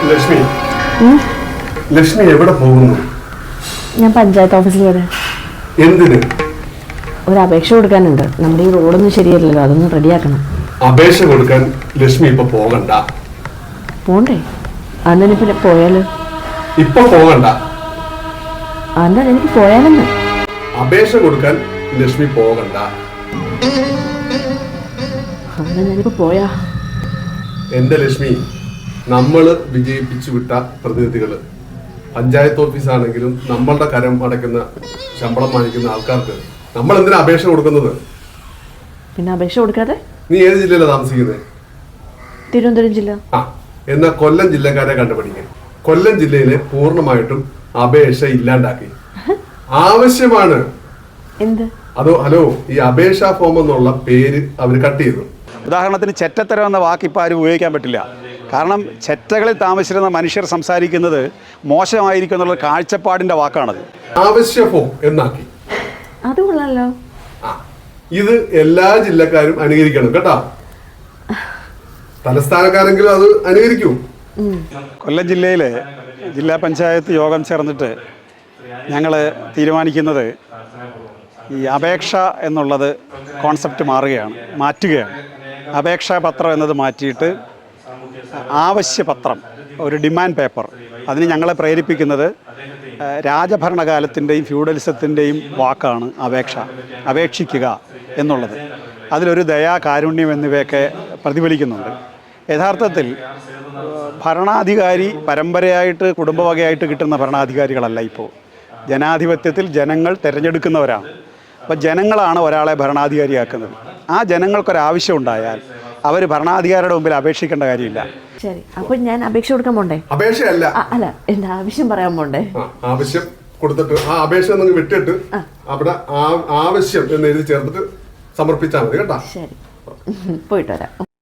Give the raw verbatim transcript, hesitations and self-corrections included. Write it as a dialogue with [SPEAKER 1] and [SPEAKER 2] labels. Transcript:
[SPEAKER 1] ലക്ഷ്മി ലക്ഷ്മി എവിടെ പോകുന്നു?
[SPEAKER 2] ഞാൻ പഞ്ചായത്ത് ഓഫീസിൽ വരെ.
[SPEAKER 1] എന്തിന്?
[SPEAKER 2] ഒരു അപേക്ഷ കൊടുക്കാനുണ്ട്. നമ്മുടെ ഈ റോഡൊന്നും ശരിയല്ലല്ലോ, അതൊന്ന് റെഡിയാക്കണം.
[SPEAKER 1] അപേക്ഷ കൊടുക്കാൻ ലക്ഷ്മി ഇപ്പൊ പോകണ്ട.
[SPEAKER 2] പോണ്ടേ? അന്നെ പിന്നെ പോയാല്?
[SPEAKER 1] ഇപ്പൊ പോകണ്ട.
[SPEAKER 2] അന്നാ എനിക്ക് പോയാലെന്ന്.
[SPEAKER 1] അപേക്ഷ കൊടുക്കാൻ ലക്ഷ്മി പോകണ്ട.
[SPEAKER 2] അന്നാ ഞാനിപ്പോ പോയാ?
[SPEAKER 1] എന്റെ ലക്ഷ്മി, നമ്മള് വിജയിപ്പിച്ചു വിട്ട പ്രതിനിധികള് പഞ്ചായത്ത് ഓഫീസാണെങ്കിലും നമ്മളുടെ കരം അടയ്ക്കുന്ന ശമ്പളം വാങ്ങിക്കുന്ന ആൾക്കാർക്ക് നമ്മൾ എന്തിനാ അപേക്ഷ കൊടുക്കുന്നത്?
[SPEAKER 2] പിന്നെ അപേക്ഷ കൊടുക്കാതെ?
[SPEAKER 1] നീ ഏത് ജില്ലയിലാണ് താമസിക്കുന്നത്?
[SPEAKER 2] തിരുവനന്തപുരം ജില്ല.
[SPEAKER 1] ആ, എന്നാ കൊല്ലം ജില്ലക്കാരെ കണ്ടുപിടിക്കുക. കൊല്ലം ജില്ലയിലെ പൂർണ്ണമായിട്ടും അപേക്ഷ ഇല്ലാണ്ടാക്കി. ആവശ്യമാണ്.
[SPEAKER 2] എന്ത്?
[SPEAKER 1] അതോ ഹലോ, ഈ അപേക്ഷാ ഫോം എന്നുള്ള പേര് അവർ കട്ട് ചെയ്തു.
[SPEAKER 3] ഉദാഹരണത്തിന് ചെറ്റത്തരം എന്ന വാക്ക് ഇപ്പോൾ ആരും ഉപയോഗിക്കാൻ പറ്റില്ല. കാരണം ചെറ്റകളിൽ താമസിച്ചിരുന്ന മനുഷ്യർ സംസാരിക്കുന്നത് മോശമായിരിക്കും എന്നുള്ള കാഴ്ചപ്പാടിൻ്റെ വാക്കാണത്.
[SPEAKER 1] ആവശ്യ ഫോം എന്നാക്കി.
[SPEAKER 2] അത് കൊള്ളാലോ.
[SPEAKER 1] ആ, ഇത് എല്ലാ ജില്ലക്കാരും അനുകരിക്കണം കേട്ടോ. തലസ്ഥാനക്കാരെങ്കിലും അത് അനുകരിക്കൂ.
[SPEAKER 3] കൊല്ലം ജില്ലയിലെ ജില്ലാ പഞ്ചായത്ത് യോഗം ചേർന്നിട്ട് ഞങ്ങൾ തീരുമാനിക്കുന്നത് ഈ അപേക്ഷ എന്നുള്ളത് കോൺസെപ്റ്റ് മാറുകയാണ്, മാറ്റുകയാണ്. അപേക്ഷാ പത്രം എന്നത് മാറ്റിയിട്ട് ആവശ്യപത്രം, ഒരു ഡിമാൻഡ് പേപ്പർ, അതിന് ഞങ്ങളെ പ്രേരിപ്പിക്കുന്നത് രാജഭരണകാലത്തിൻ്റെയും ഫ്യൂഡലിസത്തിൻ്റെയും വാക്കാണ് അപേക്ഷ, അപേക്ഷിക്കുക എന്നുള്ളത്. അതിലൊരു ദയാ, കാരുണ്യം എന്നിവയൊക്കെ പ്രതിഫലിക്കുന്നുണ്ട്. യഥാർത്ഥത്തിൽ ഭരണാധികാരി പരമ്പരയായിട്ട് കുടുംബവകയായിട്ട് കിട്ടുന്ന ഭരണാധികാരികളല്ല. ഇപ്പോൾ ജനാധിപത്യത്തിൽ ജനങ്ങൾ തിരഞ്ഞെടുക്കുന്നവരാണ്. അപ്പോൾ ജനങ്ങളാണ് ഒരാളെ ഭരണാധികാരിയാക്കുന്നത്. ആ ജനങ്ങൾക്കൊരാവശ്യം ഉണ്ടായാൽ അവർ ഭരണാധികാരിയുടെ മുമ്പിൽ അപേക്ഷിക്കേണ്ട കാര്യമില്ല.
[SPEAKER 2] ശരി, അപ്പോൾ ഞാൻ അപേക്ഷ കൊടുക്കാൻ പോണ്ടേ?
[SPEAKER 1] അപേക്ഷയല്ല,
[SPEAKER 2] അല്ല, എന്റെ ആവശ്യം പറയാൻ പോണ്ടേ?
[SPEAKER 1] ആവശ്യം കൊടുത്തിട്ട് ആ അപേക്ഷ നിങ്ങൾ വിട്ടിട്ട് അവിടെ ആവശ്യം എന്ന് എഴുതി ചേർത്തിട്ട് സമർപ്പിച്ചാൽ മതി കേട്ടോ.
[SPEAKER 2] ശരി, പോയിട്ട് വരാം.